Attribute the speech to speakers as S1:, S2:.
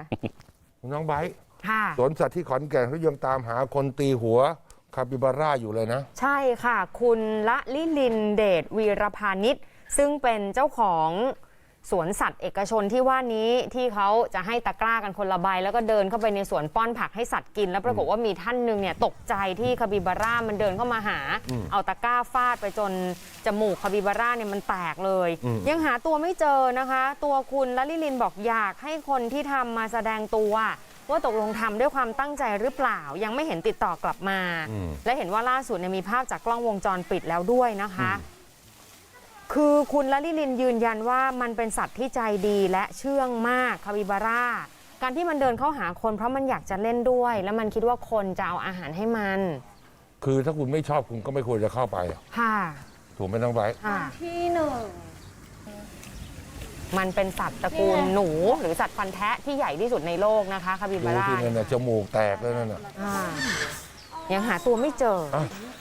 S1: น้องไบร์ท
S2: ค่ะ
S1: สวนสัตว์ที่ขอนแก่นเขายังตามหาคนตีหัวคาปิบาร่าอยู่เลยนะ
S2: ใช่ค่ะ คุณละลิลินเดชวีรพานิชซึ่งเป็นเจ้าของสวนสัตว์เอกชนที่ว่านี้ที่เขาจะให้ตะกร้ากันคนละใบแล้วก็เดินเข้าไปในสวนป้อนผักให้สัตว์กินแล้วปรากฏว่ามีท่านหนึ่งเนี่ยตกใจที่คาปิบาร่ามันเดินเข้ามาหาเอาตะกร้าฟาดไปจนจมูกคาปิบาร่าเนี่ยมันแตกเลยยังหาตัวไม่เจอนะคะ ตัวคุณละลิลินบอกอยากให้คนที่ทำมาแสดงตัวว่าตกลงทำด้วยความตั้งใจหรือเปล่ายังไม่เห็นติดต่อกลับมาและเห็นว่าล่าสุดเนี่ยมีภาพจากกล้องวงจรปิดแล้วด้วยนะคะคือคุณละลิลินยืนยันว่ามันเป็นสัตว์ที่ใจดีและเชื่องมากคาปิบาร่าการที่มันเดินเข้าหาคนเพราะมันอยากจะเล่นด้วย แล้วมันคิดว่าคนจะเอาอาหารให้มัน
S1: คือถ้าคุณไม่ชอบคุณก็ไม่ควรจะเข้าไป
S2: ค่ะ
S1: ถูกไหมน้องไบร์ท
S3: ที่หนึ่ง
S2: มันเป็นสัตว์ตระกูลหนูหรือสัตว์ฟันแทะที่ใหญ่ที่สุดในโลกนะคะคาปิบาร่า
S1: ดูที่นั่นน่ะจมูกแตกแล้วนั่นน่ะ
S2: ยังหาตัวไม่เจอ